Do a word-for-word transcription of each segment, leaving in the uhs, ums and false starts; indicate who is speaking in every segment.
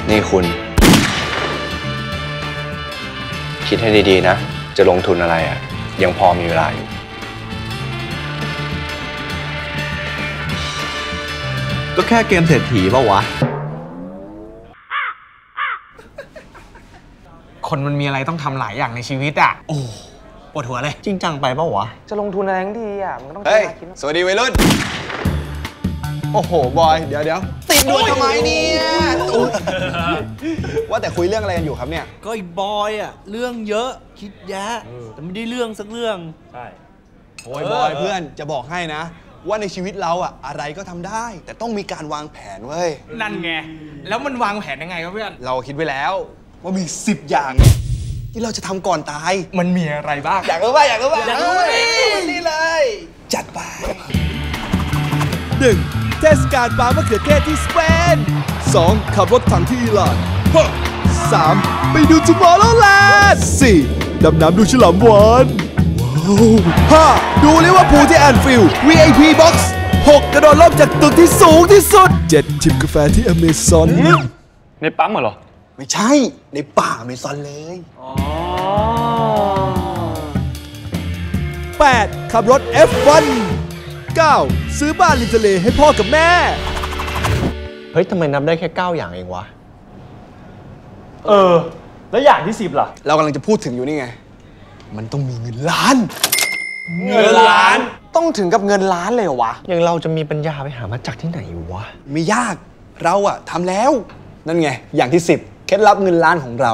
Speaker 1: นี่คุณคิดให้ดีๆนะจะลงทุนอะไรอ่ะยังพอมีเวลาอยู่
Speaker 2: ก็แค่เกมเศรษฐีป่าววะ
Speaker 3: คนมันมีอะไรต้องทำหลายอย่างในชีวิตอ่ะโอ้ปวดหัวเลย
Speaker 2: จริงจังไปป่าววะ
Speaker 3: จะลงทุนอะไรทั้งทีอ่ะมันก็ต้อง
Speaker 4: เฮ้ยสวัสดีวัยรุ่นโอ้โหบอยเดี๋ยวเดี๋ยวติดด่วนทำไมเนี่ยว่าแต่คุยเรื่องอะไรกันอยู่ครับเนี่ย
Speaker 5: ก็ไอ้บอยอะเรื่องเยอะคิดแยะแต่ไม่ได้เรื่องสักเรื่องใช่
Speaker 4: โอ้ยบอยเพื่อนจะบอกให้นะว่าในชีวิตเราอะอะไรก็ทำได้แต่ต้องมีการวางแผนเว้ย
Speaker 3: นั่นไงแล้วมันวางแผนยังไงครับเพื่อน
Speaker 4: เราคิดไว้แล้วว่ามีสิบอย่างที่เราจะทำก่อนตาย
Speaker 3: มันมีอะไรบ้าง
Speaker 4: อยากรู้ป่ะอยากรู้ป่ะอยากรู้นี่เลยจัดไป
Speaker 6: หนึ่งเทศกาลปลามะเขือเทศที่สเปน สอง ขับรถถังที่อิหร่าน สาม ไปดูทูมอร์โรแลนด์ สี่ ดำน้ำดูฉลามวาฬ ห้า ดูลิเวอร์พูลที่แอนฟิลด์ วี ไอ พี Box หก กระโดดร่มจากตึกที่สูงที่สุด เจ็ด จิบกาแฟที่อเมซอน
Speaker 1: ในปั๊มเหรอ
Speaker 4: ไม่ใช่ในป่าอเมซอนเลย
Speaker 6: แปด ขับรถ เอฟ วัน เก้า ซื้อบ้านริมทะเลให้พ่อกับแม่
Speaker 2: เฮ้ยทำไมนับได้แค่เก้าอย่างเองวะ
Speaker 7: เออแล้วอย่างที่สิบล่ะ
Speaker 4: เรากำลังจะพูดถึงอยู่นี่ไงมันต้องมีเงินล้าน
Speaker 3: เงินล้าน
Speaker 2: ต้องถึงกับเงินล้านเลยเหรอวะอย่างเราจะมีปัญญาไปหามาจากที่ไหนวะ
Speaker 4: ไม่ยากเราอะทำแล้วนั่นไงอย่างที่สิบเคล็ดลับเงินล้านของเรา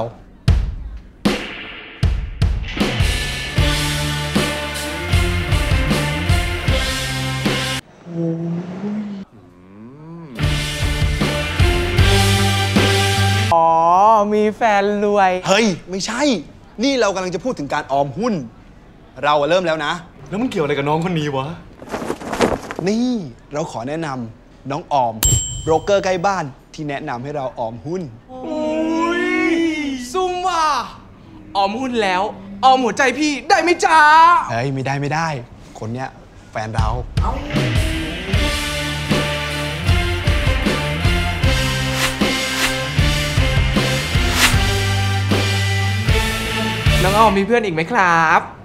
Speaker 3: อ๋อมีแฟนรวย
Speaker 4: เฮ้ยไม่ใช่นี่เรากำลังจะพูดถึงการออมหุ้นเราเริ่มแล้วนะ
Speaker 7: แล้วมันเกี่ยวอะไรกับน้องคนนี้วะ
Speaker 4: นี่เราขอแนะนำน้องออมโบรกเกอร์ใกล้บ้านที่แนะนำให้เราออมหุ้น
Speaker 3: ซุ่มว่ะออมหุ้นแล้วออมหัวใจพี่ได้ไหมจ๊ะ
Speaker 4: เฮ้ยไม่ได้ไม่ได้คนเนี้ยแฟนเรา
Speaker 3: น้องออมมีเพื่อนอีกไหมครับ